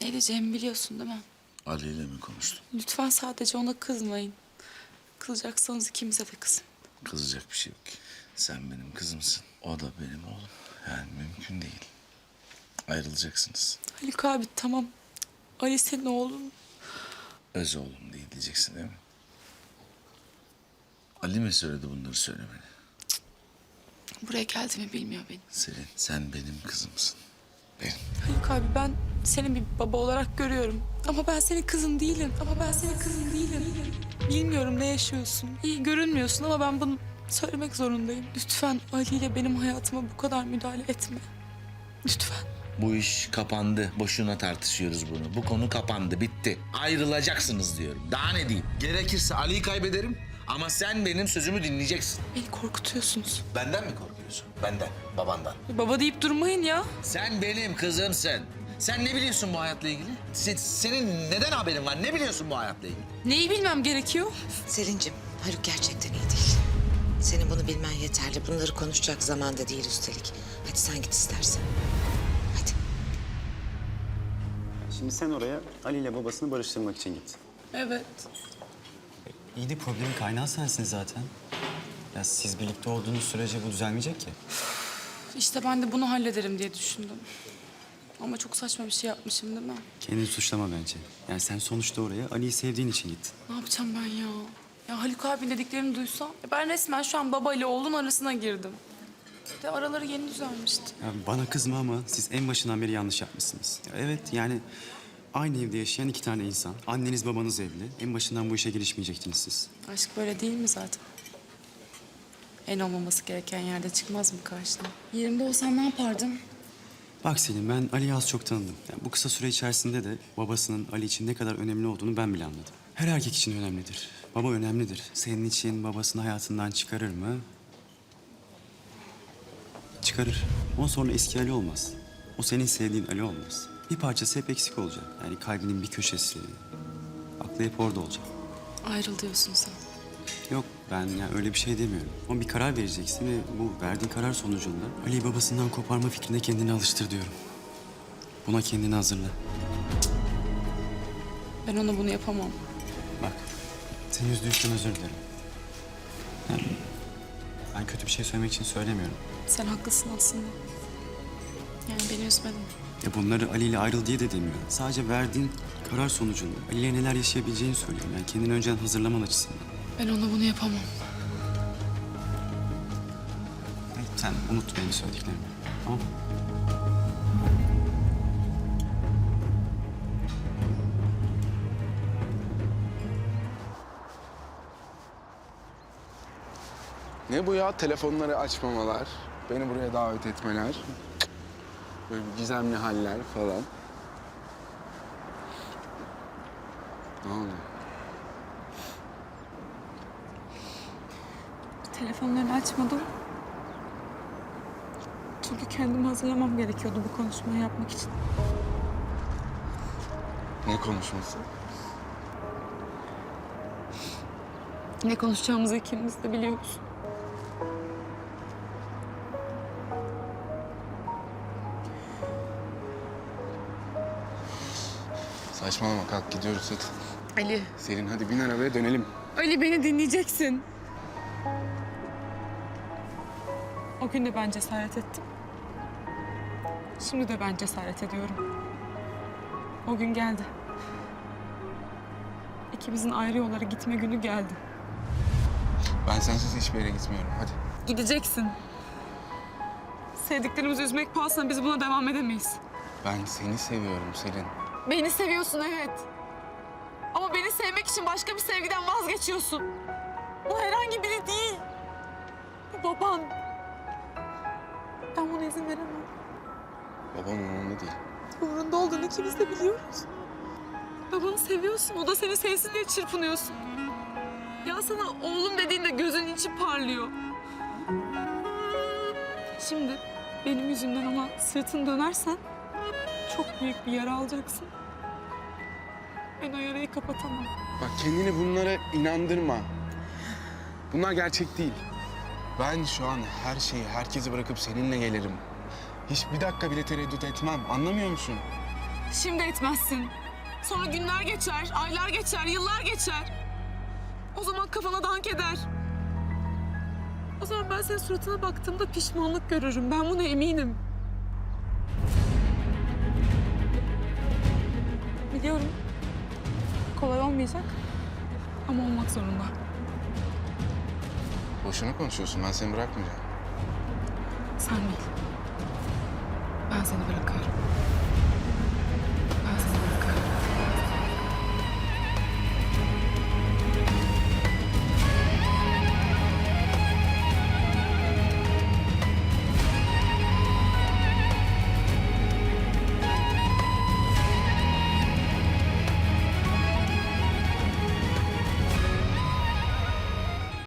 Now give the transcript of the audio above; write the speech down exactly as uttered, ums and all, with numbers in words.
Ne diyeceğimi biliyorsun değil mi? Ali ile mi konuştun? Lütfen sadece ona kızmayın. Kızacaksanız ikimize de kızın. Kızacak bir şey yok ki. Sen benim kızımsın. O da benim oğlum. Yani mümkün değil. Ayrılacaksınız. Haluk abi tamam. Ali senin oğlun. Öz oğlum değil diyeceksin değil mi? Ali mi söyledi bunları söylemeni? Buraya geldiğimi bilmiyor benim. Selin, sen benim kızımsın. Benim. Haluk abi ben seni bir baba olarak görüyorum. Ama ben senin kızın değilim. Ama ben senin kızın değilim. Bilmiyorum ne yaşıyorsun. İyi görünmüyorsun ama ben bunu söylemek zorundayım. Lütfen Ali ile benim hayatıma bu kadar müdahale etme. Lütfen. Bu iş kapandı. Boşuna tartışıyoruz bunu. Bu konu kapandı, bitti. Ayrılacaksınız diyorum. Daha ne diyeyim? Gerekirse Ali'yi kaybederim ama sen benim sözümü dinleyeceksin. Beni korkutuyorsunuz. Benden mi korkuyorsun? Benden, babandan. Baba deyip durmayın ya. Sen benim kızımsın. Sen ne biliyorsun bu hayatla ilgili? Se- senin neden haberin var? Ne biliyorsun bu hayatla ilgili? Neyi bilmem gerekiyor? Selin'cim, Haluk gerçekten iyi değil. Senin bunu bilmen yeterli. Bunları konuşacak zaman da değil üstelik. Hadi sen git istersen. Hadi. Şimdi sen oraya Ali ile babasını barıştırmak için git. Evet. İyi de problemin kaynağı sensin zaten. Ya siz birlikte olduğunuz sürece bu düzelmeyecek ki. İşte ben de bunu hallederim diye düşündüm. Ama çok saçma bir şey yapmışım değil mi? Kendini suçlama bence. Yani sen sonuçta oraya Ali'yi sevdiğin için gittin. Ne yapacağım ben ya? Ya Haluk abinin dediklerini duysam... ya ben resmen şu an baba ile oğlun arasına girdim. De araları yeni düzelmişti. Ya bana kızma ama siz en başından beri yanlış yapmışsınız. Ya evet yani aynı evde yaşayan iki tane insan. Anneniz babanız evli. En başından bu işe girişmeyecektiniz siz. Aşk böyle değil mi zaten? En olmaması gereken yerde çıkmaz mı karşına? Yerimde olsam ne yapardım? Bak Selim, ben Ali'yi az çok tanıdım. Yani bu kısa süre içerisinde de babasının Ali için ne kadar önemli olduğunu ben bile anladım. Her erkek için önemlidir. Baba önemlidir. Senin için babasını hayatından çıkarır mı? Çıkarır. Ondan sonra eski Ali olmaz. O senin sevdiğin Ali olmaz. Bir parçası hep eksik olacak. Yani kalbinin bir köşesi. Aklı hep orada olacak. Ayrıl diyorsun sen. Yok, ben yani öyle bir şey demiyorum. Ama bir karar vereceksin ve bu verdiğin karar sonucunda Ali'yi babasından koparma fikrine kendini alıştır diyorum. Buna kendini hazırla. Ben ona bunu yapamam. Bak, seni üzdüğü için özür dilerim. Yani ben kötü bir şey söylemek için söylemiyorum. Sen haklısın aslında. Yani beni üzmedin. Ya bunları Ali ile ayrıl diye de demiyorum. Sadece verdiğin karar sonucunda Ali ile neler yaşayabileceğini söylüyorum. Yani kendini önceden hazırlaman açısından. Ben ona bunu yapamam. Sen unut benim söylediklerimi. Tamam mı? Ne bu ya? Telefonları açmamalar, beni buraya davet etmeler. Böyle bir gizemli haller falan. Ne oldu? Telefonlarını açmadım. Çünkü kendimi hazırlamam gerekiyordu bu konuşmayı yapmak için. Ne konuşması? Ne konuşacağımızı ikimiz de biliyoruz. Saçmalama, kalk gidiyoruz hadi. Ali. Selin hadi bin arabaya dönelim. Ali beni dinleyeceksin. O gün de ben cesaret ettim. Şimdi de ben cesaret ediyorum. O gün geldi. İkimizin ayrı yollara gitme günü geldi. Ben sensiz hiçbir yere gitmiyorum, hadi. Gideceksin. Sevdiklerimizi üzmek pahasına biz buna devam edemeyiz. Ben seni seviyorum Selin. Beni seviyorsun evet. Ama beni sevmek için başka bir sevgiden vazgeçiyorsun. Bu herhangi biri değil. Bu baban. Ben buna izin veremem. Babam umurumda değil. Umurunda olduğunu ikimiz de biliyoruz. Babanı seviyorsun, o da seni sevsin diye çırpınıyorsun. Ya sana oğlum dediğinde gözün içi parlıyor. Şimdi benim yüzümden ona sırtını dönersen çok büyük bir yara alacaksın. Ben o yarayı kapatamam. Bak kendini bunlara inandırma. Bunlar gerçek değil. Ben şu an her şeyi, herkesi bırakıp seninle gelirim. Hiç bir dakika bile tereddüt etmem. Anlamıyor musun? Şimdi etmezsin. Sonra günler geçer, aylar geçer, yıllar geçer. O zaman kafana dank eder. O zaman ben senin suratına baktığımda pişmanlık görürüm. Ben buna eminim. Biliyorum. Kolay olmayacak. Ama olmak zorunda. Boşuna konuşuyorsun. Ben seni bırakmayacağım. Sen değil. Ben seni bırakıyorum.